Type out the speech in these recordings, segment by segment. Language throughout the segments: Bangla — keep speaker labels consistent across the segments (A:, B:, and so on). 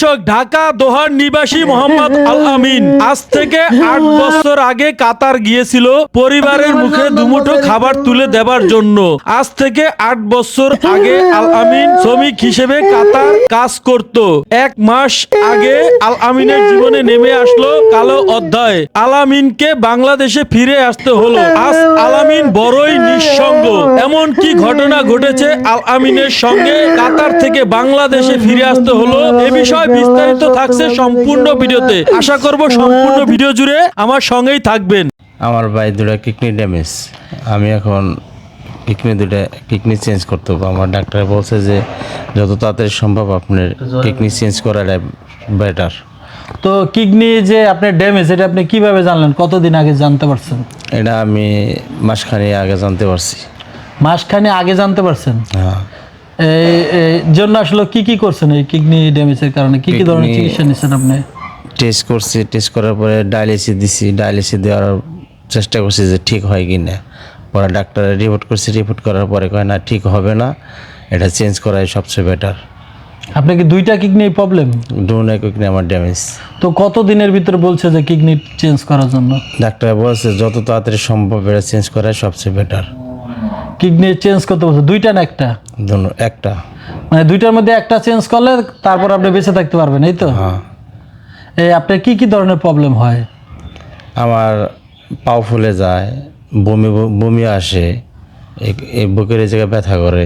A: দর্শক, ঢাকা দোহার নিবাসী মোহাম্মদ আল আমিন আজ থেকে ৮ বছর আগে কাতার গিয়েছিল পরিবারের মুখে দুমুঠো খাবার তুলে দেবার জন্য। আজ থেকে ৮ বছর আগে আল আমিন শ্রমিক হিসেবে কাতার কাজ করত। ১ মাস আগে আল আমিনের জীবনে নেমে আসলো কালো অধ্যায়। আল আমিনকে বাংলাদেশে ফিরে আসতে হলো। আজ আল আমিন বড়ই নিঃসঙ্গ। এমন কি ঘটনা ঘটেছে আল আমিনের সঙ্গে কাতার থেকে বাংলাদেশে ফিরে আসতে হলো, এ বিষয়ে বিস্তারিত থাকছে সম্পূর্ণ ভিডিওতে। আশা করব সম্পূর্ণ ভিডিও জুড়ে আমার সঙ্গেই থাকবেন।
B: আমার ভাই দুটা কিডনি ড্যামেজ, আমি এখন কিডনি চেঞ্জ করতে হবে। আমার ডাক্তার বলছে যে যত তাড়াতাড়ি সম্ভব আপনার কিডনি চেঞ্জ করাটা বেটার।
C: তো কিডনি যে আপনার ড্যামেজ, এটা আপনি কিভাবে জানলেন? কতদিন আগে জানতে পারছেন?
B: এটা আমি মাসখানি আগে জানতে পারছি।
C: মাসখানে আগে জানতে পারছেন?
B: হ্যাঁ।
C: এই জন্য আসলে কি করছেন? এই কিডনি ড্যামেজের কারণে কি ধরনের চিকিৎসা নিচ্ছেন আপনি?
B: টেস্ট করছি, টেস্ট করার পরে ডায়ালিসিস দিছি, ডায়ালিসিস দেওয়ার চেষ্টা করছি যে ঠিক হয় কি না। পরে ডাক্তারে রিপোর্ট করছি, রিপোর্ট করার পরে কয় না ঠিক হবে না, এটা চেঞ্জ করাই সবচেয়ে বেটার।
C: আপনার কি দুইটা কিডনি প্রবলেম?
B: দুটো কিডনি আমার ড্যামেজ।
C: তো কত দিনের ভিতরে বলছে যে কিডনি চেঞ্জ করার জন্য?
B: ডাক্তার বলছে যত তাড়াতাড়ি সম্ভব এটা চেঞ্জ করাই সবচেয়ে বেটার।
C: কিডনি চেঞ্জ করতে বলছে দুইটা না একটা?
B: একটা,
C: মানে দুইটার মধ্যে একটা চেঞ্জ করলে তারপর আপনি বেঁচে থাকতে পারবেন, এই তো?
B: হ্যাঁ।
C: এই আপনার কি ধরনের প্রবলেম হয়?
B: আমার পাও ফুলে যায়, বমি আসে, এই বুকের এই জায়গায় ব্যথা করে।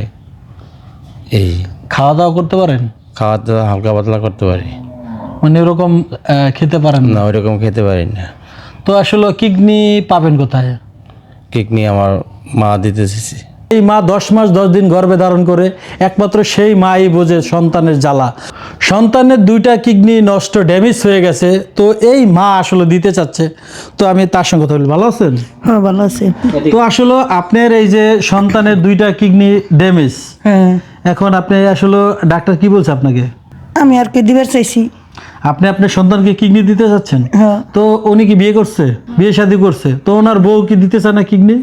B: এই
C: খাওয়া দাওয়া করতে পারেন?
B: খাওয়া দাওয়া হালকা পাতলা করতে পারি,
C: মানে ওরকম খেতে পারেন
B: না ওইরকম খেতে পারি না।
C: তো আসলে কিডনি পাবেন কোথায়?
B: কিডনি আমার মা দিতে চেয়েছি।
C: এই মা 10 মাস 10 দিন গর্ভে ধারণ করে, একমাত্র সেই মাই বোঝে সন্তানের জ্বালা। সন্তানের দুইটা কিডনি নষ্ট, ড্যামেজ হয়ে গেছে, তো এই মা আসলে দিতে চাচ্ছে। তো আমি তার সঙ্গে কথা বলি। ভালো আছেন?
D: হ্যাঁ, ভালো আছি।
C: তো আসলে আপনার এই যে সন্তানের দুইটা কিডনি ড্যামেজ,
D: হ্যাঁ,
C: এখন আপনি আসলে ডাক্তার কি বলছে আপনাকে?
D: আমি আর কি দিবার চাইছি।
C: আপনি আপনার সন্তানকে কিডনি দিতে চাচ্ছেন?
D: হ্যাঁ।
C: তো উনি কি বিয়ে করছে, বিয়ে শাদী করছে? তো ওনার বউ কি দিতে চায় না কিডনি?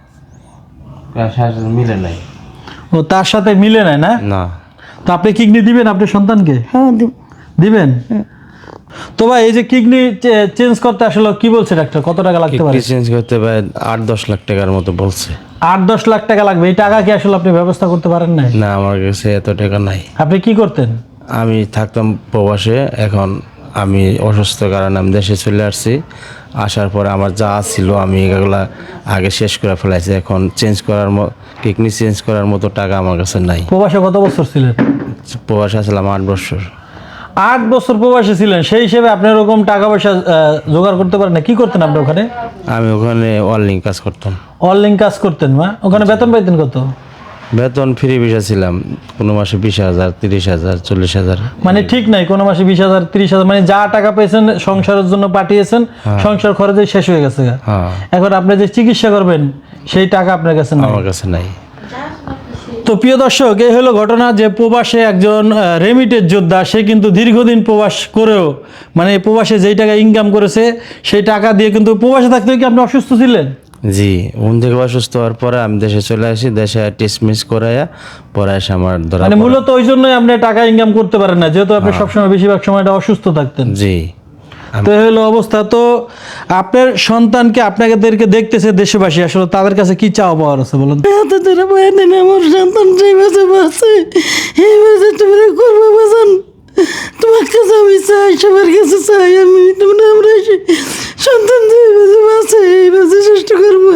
B: মিলে নাই।
C: ও তার সাথে মিলে নেয় না?
B: না।
C: তো আপনি কিডনি দিবেন আপনার সন্তানকে?
D: হ্যাঁ,
C: দিবেন? তো ভাই, এই যে কিডনি চেঞ্জ করতে আসলে কি বলছে ডাক্তার, কত টাকা লাগতে পারে?
B: কিডনি চেঞ্জ করতে পারে 8-10 লাখ টাকার মতো বলছে।
C: 8-10 লাখ টাকা লাগবে। এই টাকা কি আসলে আপনি ব্যবস্থা করতে পারেন না?
B: না, আমার কাছে এত টাকা নাই।
C: আপনি কি করতেন?
B: আমি থাকতাম প্রবাসে, এখন আমি অসুস্থ কারণে আমি দেশে চলে আসছি। আসার পরে আমার যা ছিল আমি এগুলা আগে শেষ করে ফেলাইছি। এখন কিডনি চেঞ্জ করার মতো টাকা আমার কাছে নাই।
C: প্রবাসে কত বছর ছিলেন?
B: প্রবাসে আসলাম 8 বছর।
C: 8 বছর প্রবাসে ছিলেন, সেই হিসেবে আপনি ওরকম টাকা পয়সা জোগাড় করতে পারেন না। কি করতেন আপনি ওখানে?
B: আমি ওখানে ওয়েল্ডিং কাজ করতাম।
C: অনলাইন কাজ করতেন? মা ওখানে বেতন পাইতেন কত?
B: বেতন ফ্রি ভিসা ছিলাম, কোনো মাসে 20,000, 30,000, 40,000।
C: মানে ঠিক নাই, কোনো মাসে 20,000, 30,000, মানে যা টাকা পেয়েছেন সংসারের জন্য পাঠিয়েছেন, সংসার খরচে শেষ হয়ে গেছে।
B: হ্যাঁ।
C: এখন আপনি যে চিকিৎসা করবেন সেই টাকা আপনার কাছে নাই।
B: আমার কাছে নাই।
C: তো প্রিয় দর্শক, এই হলো ঘটনা যে প্রবাসে একজন রেমিটেড যোদ্ধা, সে কিন্তু দীর্ঘদিন প্রবাস করেও, মানে প্রবাসে যেই টাকা ইনকাম করেছে সেই টাকা দিয়ে কিন্তু প্রবাসে থাকতে কি আপনি অসুস্থ ছিলেন?
B: জি, থেকে অসুস্থ হওয়ার পরে আমি দেশে চলে আসি। দেশে টেস্ট মিস করাইয়া পরে এসে আমার ধরা
C: মানে মূলত ওই জন্যই আপনি টাকা ইনকাম করতে পারেন না, যেহেতু আপনি সবসময় বেশিরভাগ সময়টা অসুস্থ থাকতেন।
B: জি।
C: তো এই হলো অবস্থা। তো আপনার সন্তানকে আপনাদেরকে দেখতেছে দেশবাসী, আসলে তাদের কাছে কি চাওয়া পাওয়ার আছে বলুন?
D: এত ধরে বয়ে দেন আমার সন্তান সেই বাসে বাসে, এই বাসে তোমরা করবো বাজান। তোমার কাছে আমি চাই, সবার কাছে চাই আমি, তোমরা আমরা সন্তান যে বাসে বাসে এই বাসে চেষ্টা করবো।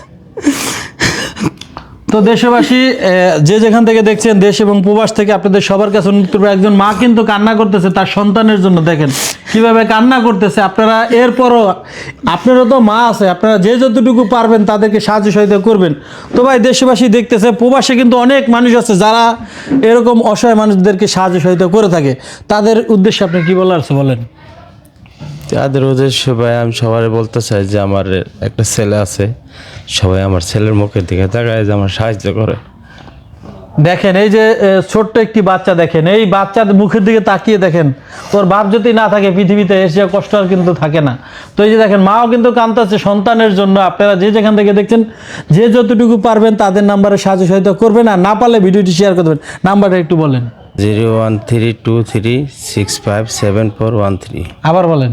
C: তো দেশবাসী, যে যেখান থেকে দেখছেন, দেশ এবং প্রবাস থেকে, আপনাদের সবার কাছে অনুরোধ করবো, একজন মা কিন্তু কান্না করতেছে তার সন্তানের জন্য। দেখেন কিভাবে কান্না করতেছে। আপনারা এরপরও, আপনারও তো মা আছে, আপনারা যে যতটুকু পারবেন তাদেরকে সাহায্য সহায়তা করবেন। তো ভাই, দেশবাসী দেখতেছে, প্রবাসে কিন্তু অনেক মানুষ আছে যারা এরকম অসহায় মানুষদেরকে সাহায্য সহায়তা করে থাকে। তাদের উদ্দেশ্যে আপনি কি বলার আছে বলেন?
B: তাদের উদ্দেশ্য ভাই আমি সবাই বলতে চাই যে আমার একটা ছেলে আছে, সবাই আমার ছেলের মুখের দিকে তাকায় যে আমার সাহায্য করে।
C: দেখেন এই যে ছোট্ট একটি বাচ্চা, দেখেন এই বাচ্চার মুখের দিকে তাকিয়ে দেখেন, ওর বাপ যদি না থাকে পৃথিবীতে এসে কষ্ট আর কিন্তু থাকে না। তো এই যে দেখেন, মাও কিন্তু কাঁদতেছে সন্তানের জন্য। আপনারা যে যেখান থেকে দেখছেন, যে যতটুকু পারবেন তাদের নাম্বারে সাহায্য সহায়তা করবেন, আর না পারলে ভিডিওটি শেয়ার করে দেবেন। নাম্বারটা একটু বলেন।
B: 01323657413
C: আবার বলেন।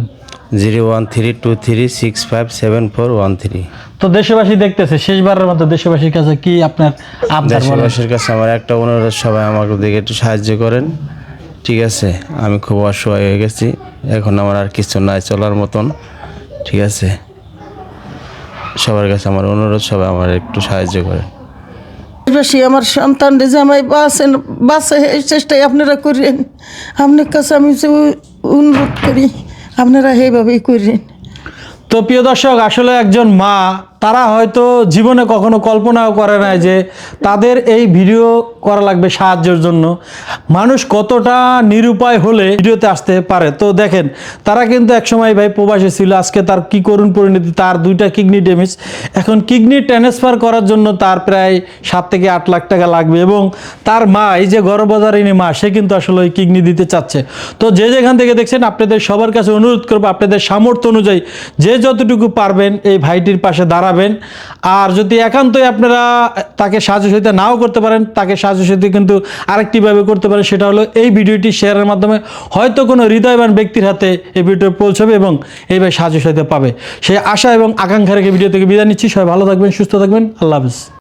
B: 01323657413।
C: তো দেশবাসী দেখতেছে, শেষবারের মতো দেশবাসীর কাছে কি আপনার আবদার বলেন?
B: দেশবাসীর কাছে আমার একটা অনুরোধ, সবাই আমাকে দিকে একটু সাহায্য করেন, ঠিক আছে? আমি খুব অসহায় হয়ে গেছি, এখন আমার আর কিছু নাই চলার মতন, ঠিক আছে? সবার কাছে আমার অনুরোধ, সবাই আমার একটু সাহায্য করেন।
D: বেশি আমার সন্তান রে জামাই বাসে এই চেষ্টাই আপনারা করেন। আপনার কাছে আমি যে অনুরোধ করি, আপনারা এইভাবেই করেন।
C: তো প্রিয় দর্শক, আসলে একজন মা, তারা হয়তো জীবনে কখনো কল্পনাও করে নাই যে তাদের এই ভিডিও করা লাগবে সাহায্যের জন্য। মানুষ কতটা নিরুপায় হলে ভিডিওতে আসতে পারে। তো দেখেন, তারা কিন্তু একসময় ভাই প্রবাসী ছিল, আজকে তার কি করুণ পরিণতি, তার 2টা কিডনি ড্যামেজ। এখন কিডনি ট্রান্সফার করার জন্য তার প্রায় 7 থেকে 8 লাখ টাকা লাগবে, এবং তার মা, এই যে গর্ভধারিণী মা, সে কিন্তু আসলে ওই কিডনি দিতে চাচ্ছে। তো যে যেখান থেকে দেখছেন, আপনাদের সবার কাছে অনুরোধ করবো, আপনাদের সামর্থ্য অনুযায়ী যে যতটুকু পারবেন এই ভাইটির পাশে দাঁড়াবেন। আর যদি একান্তই আপনারা তাকে সাহায্য সহযোগিতা নাও করতে পারেন, তাকে সাহায্য সহযোগিতা কিন্তু আরেকটিভাবে করতে পারেন, সেটা হলো এই ভিডিওটি শেয়ারের মাধ্যমে হয়তো কোনো হৃদয়বান ব্যক্তির হাতে এই ভিডিও পৌঁছবে এবং এই ভাই সাহায্য সহযোগিতা পাবে। সেই আশা এবং আকাঙ্ক্ষা রেখে ভিডিও থেকে বিদায় নিচ্ছি। সবাই ভালো থাকবেন, সুস্থ থাকবেন, আল্লাহ হাফেজ।